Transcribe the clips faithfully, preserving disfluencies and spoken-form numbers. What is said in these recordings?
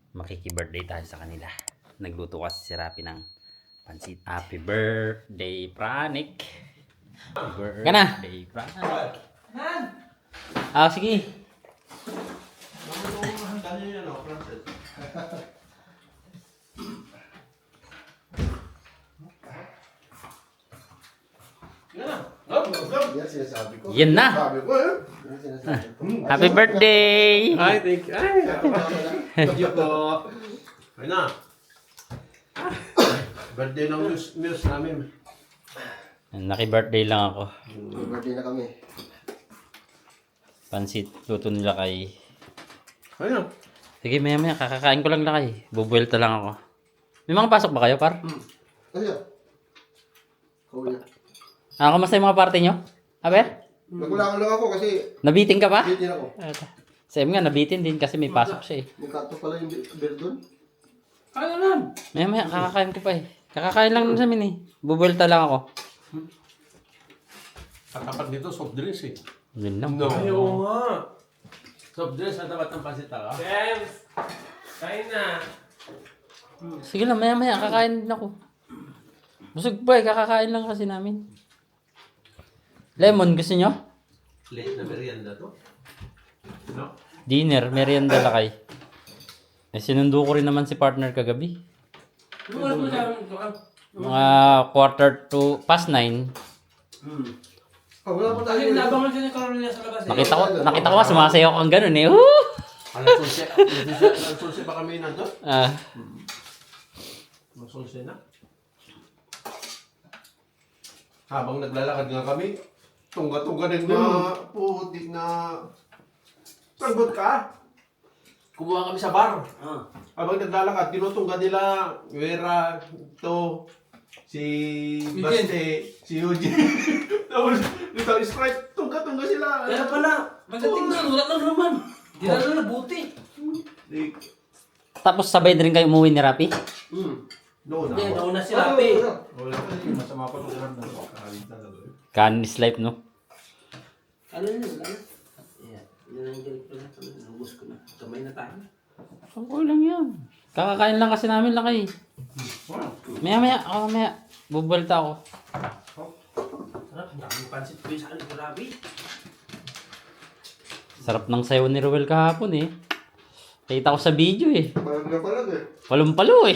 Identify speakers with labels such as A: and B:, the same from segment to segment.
A: makiki-birthday tayo sa kanila. Nagluto kasi si Rapi ng pansit. Happy birthday, Pranik! Happy birthday, Pranik! Ah, sige.
B: Yan sinasabi ko.
A: Yan na!
B: Sabi ko eh. Yan sinasabi ko.
A: Happy birthday!
C: Ay, thank you. Ay, thank you po. Ayun na. Birthday ng Muse, Muse namin.
A: Naki-birthday lang ako.
B: Birthday na kami.
A: Pansit, luto nila kay...
C: Ayun na.
A: Sige, maya maya, kakakain ko lang lakay. Bubuelta lang ako. May mga pasok ba kayo, par?
B: Ano yan? Kuya.
A: Ah, kamusta yung mga party nyo? Aber?
B: Nagulangan lang ako kasi
A: Nabitin ka pa?
B: bitin ako.
A: Sa nga, nabitin din kasi may pasok siya eh.
B: May kato pala yung beer doon.
D: Kaya lang.
A: Maya maya, kakakain ko pa eh. Kakakain lang sa amin eh. Bubuelta lang ako.
C: Katapat dito, soft drinks eh.
A: Yun lang.
C: No.
D: Ay, oo nga.
C: Soft drinks sa tapat ng pasita ka.
D: James! Kain na.
A: Sige lang, maya maya, kakain din ako. Busog pa eh, kakakain lang kasi namin. Lemon, gusto nyo?
C: Late na merienda to. No?
A: Dinner, merienda lakay. Eh, sinundo ko rin naman si partner kagabi.
D: Ano oras mo sa amin?
A: Mga quarter to past nine.
B: Ah, wala pa tayo.
D: Kasi nabangan siya ni Carolina sa labas eh.
A: Nakita ko, nakita ko nga sumasayaw kang ganun eh. Woo!
C: Alas onse, alas onse pa kami nandun?
A: Ah,
C: Alas onse na. Habang naglalakad nga kami, tungga-tungga din na putik na sagot ka. Kumuha kami sa bar.
D: Ah.
C: Habang naglalakad, tinutungga nila Vera, to si
D: Eugene.
C: Baste, si Eugene. Tapos dito Sprite, tungga-tungga sila.
D: Kaya pala, pagdating doon, wala lang naman. Di na lang nabuti.
C: Di-
A: tapos sabay na rin kayo umuwi ni Rapi?
C: Hmm. Noon
D: Hindi,
C: ako.
D: nauna si Rapi.
C: Wala pa rin, masama pa rin naman ng kakalita na doon.
A: Canis life, no?
D: Ano yun? Wala na. Yeah. Yun ang galing ko na. Nabus ko na. Kamay na tayo.
A: Okay lang yan. Kakakain lang kasi namin lakay. Maya maya, ako maya. Bubuelta ako.
D: Sarap, ang daming pansit ko yung sa akin, grabe.
A: Sarap ng sayo ni Ruel kahapon eh. Kita ko sa video eh.
B: Parang na pala eh.
A: Palumpalo eh.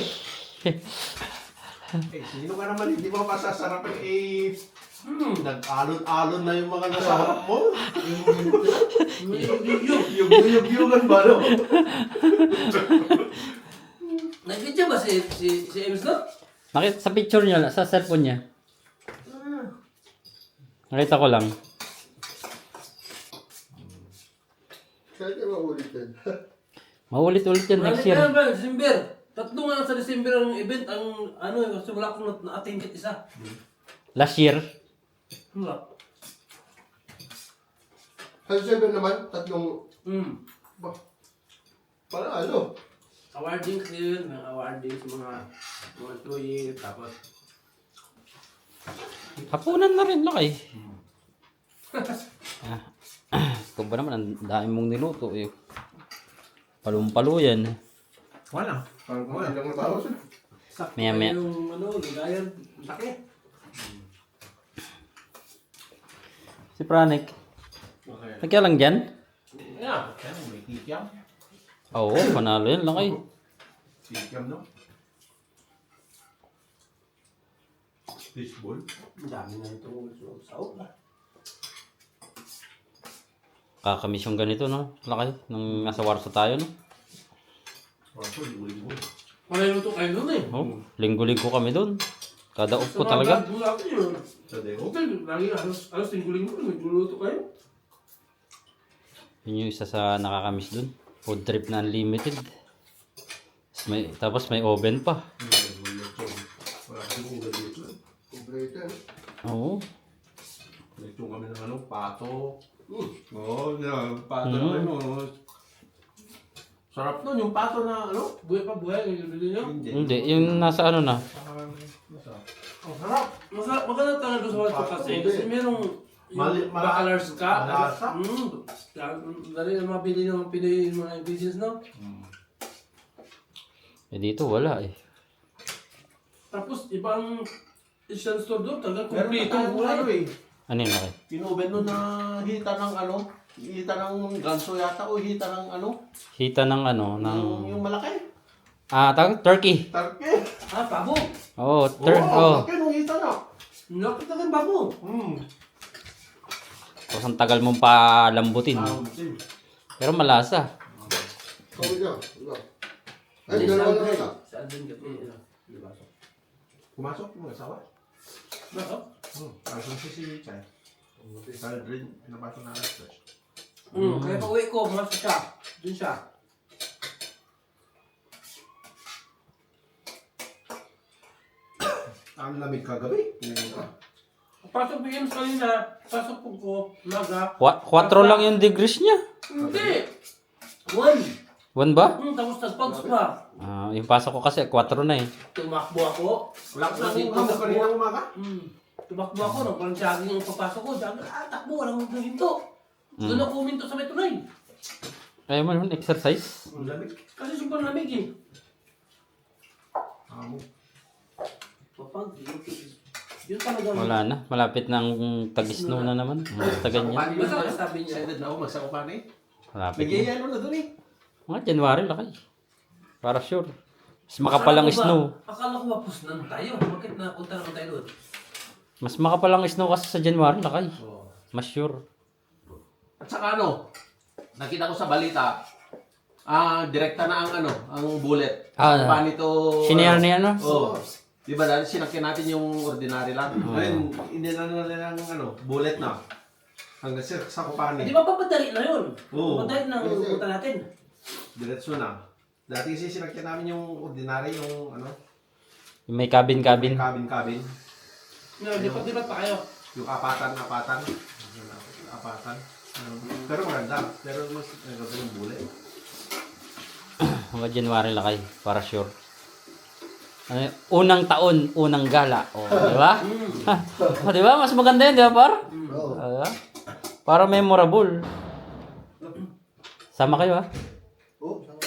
C: Eh, sino ka naman, hindi mo masasarap eh, hmm, nag-alon-alon na yung mga nasa harap mo. Yung yug-yugan ba, no?
D: Nag-video ba si, si, si Ems, no?
A: Nakita sa picture niya, sa cellphone niya. Nakita ko lang.
B: Kaya kayo maulit yan.
A: Maulit-ulit yan next
D: Balik
A: year.
D: na ba, December? Tatlo nga sa December ang event, ang ano eh, kasi wala akong na- na-attend kahit isa.
A: Last year.
D: Wala.
B: Sa December naman, tatlong,
D: Hmm.
B: ba, para ano?
D: Awarding kasi yun, may awarding sa mga mga employee, tapos
A: Hapunan na rin lakay. Ah. Ikaw ba naman, ang dami mong niluto eh. Palumpalo yan.
C: Wala.
B: Parang kung ilang na tao siya.
D: sakto
A: Maya, maya.
D: yung ano, ligayan, laki.
A: Si Pranik.
C: Okay.
A: Nagya lang dyan?
C: Yeah, kaya may kikiam.
A: Oo, panalo yan lakay.
C: Kikiam, no? Fishball.
D: Ang dami na itong sao na.
A: Kakamiss yung ganito, no? Lakay, nung nasa Warsaw tayo, no?
C: Waso, libo-libo.
D: Wala yung ito kayo nun eh.
A: Oh, linggo-linggo kami doon. Kada off ko
D: Sa mga
A: talaga.
D: vlog natin yun.
C: Sa deo.
D: Okay, lagi halos, halos linggo-linggo, nagluluto kayo.
A: Yun yung isa sa nakakamiss doon. Food trip na unlimited. Tapos may, tapos may oven pa.
C: Wala kasing ulo dito.
B: Kompleto yan.
A: Oo.
C: Nagtong kami ng ano, pato. Oo, yeah, pato
A: Mm.
C: na ano. Sarap nun, yung pato na ano.
D: Buhay pa buhay, yung bibili nyo.
A: Hindi, yung nasa ano na.
C: Ang sarap.
D: Masarap, maganda talaga sa World Cup kasi. Kasi merong yung
C: Mali- mala-
D: bacalars ka.
C: malasa.
D: Mm. Dali na mabili ng Pinoy yung mga business, no?
A: Eh dito wala eh.
D: Tapos ibang isang store doon, talagang
C: Meron
D: kompleto
C: pa
D: yung
C: tayong ano
D: kulay.
C: eh.
A: Ano yun laki?
C: Pinuben nun na hita ng ano, hita ng ganso yata o hita ng ano,
A: Hita ng ano, ng...
C: yung, yung malaki.
A: Ah, tawag? Turkey.
C: Tarke.
D: Ah, babo.
A: Oo, oh, tur...
C: Oo,
A: Oh.
C: laki nung hita na.
D: Lapit na kang babo.
C: Hmm.
A: Tapos ang tagal mong palambutin.
C: Ah, sim.
A: Pero malasa.
B: Kawin niya. Wala. Ay, dalawa na na.
D: Sa Aldrin Cafe. Di ba?
C: Pumasok mo asawa?
D: Bakit?
C: Hmm. Pasok si si Chay. Sa Aldrin, pinapasok na alas tres.
D: Hmm, kaya pag uwi ko, pumasok siya. Doon siya.
C: Ang lamig kagabi.
D: Pasok bigyan sa kanina, pasok po ko, maga.
A: Kwa- Quattro lang yung degrees niya.
D: Hindi! One!
A: One ba?
D: Hmm, tapos nagpags pa.
A: Ah, yung pasok ko kasi quattro na eh.
D: Tumakbo ako.
C: Wala ko sa hamog kanina umaga.
D: Hmm. Tumakbo ako, nung parang jogging yung papasok ko. Jogging, ah, takbo, walang huminto. Doon ako huminto sa may tunay.
A: Ayaw mo naman exercise.
C: Ang lamig.
D: Kasi sobrang lamig eh.
C: Hamog.
D: Papag, yun, yun talaga.
A: Wala na. Malapit ng tag-snow na naman. Basta ganyan.
D: Basta sabi niya.
C: Excited na ako magsakupan eh.
A: Malapit na.
C: Nagyayalo na doon eh.
A: Mga January laki. Para sure. Mas makapalang
D: Akala ko ba-
A: snow.
D: Akala ko ba pusnan tayo? Bakit napunta naman tayo doon?
A: Mas makapalang snow kasi sa January laki.
C: Oo.
A: Mas sure.
C: At saka ano, nakita ko sa balita, ah, direkta na ang ano, ang bullet.
A: Ah,
C: Paano ito?
A: Sinare niya no?
C: Oo. Di ba dahil sinakyan natin yung ordinary lang? Ngayon, hindi na nila ng ano, bullet na. Hanggang sa, sa kupani.
D: Di ba papadali na yun?
C: Oo.
D: Papadali na ang pupunta natin.
C: Diretso na. Dati kasi sinakyan namin yung ordinary, yung ano,
A: Yung may cabin-cabin.
C: cabin-cabin.
D: Ngayon, di pa, di ba pa kayo?
C: Yung apatan-apatan. Apatan. Ano, pero maganda. Pero mas maganda yung bullet.
A: Mga January laki. Para sure. Ano, yun? Unang taon, unang gala. O, di ba? O, di ba? Mas maganda yun, di ba, par?
B: Oo.
A: Ah, para memorable. Sama kayo, ha?
B: Oo, sama.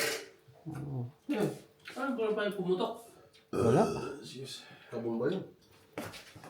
C: Yun.
D: Parang parang pa yung pumutok.
A: Wala.
B: Kabong ba yun?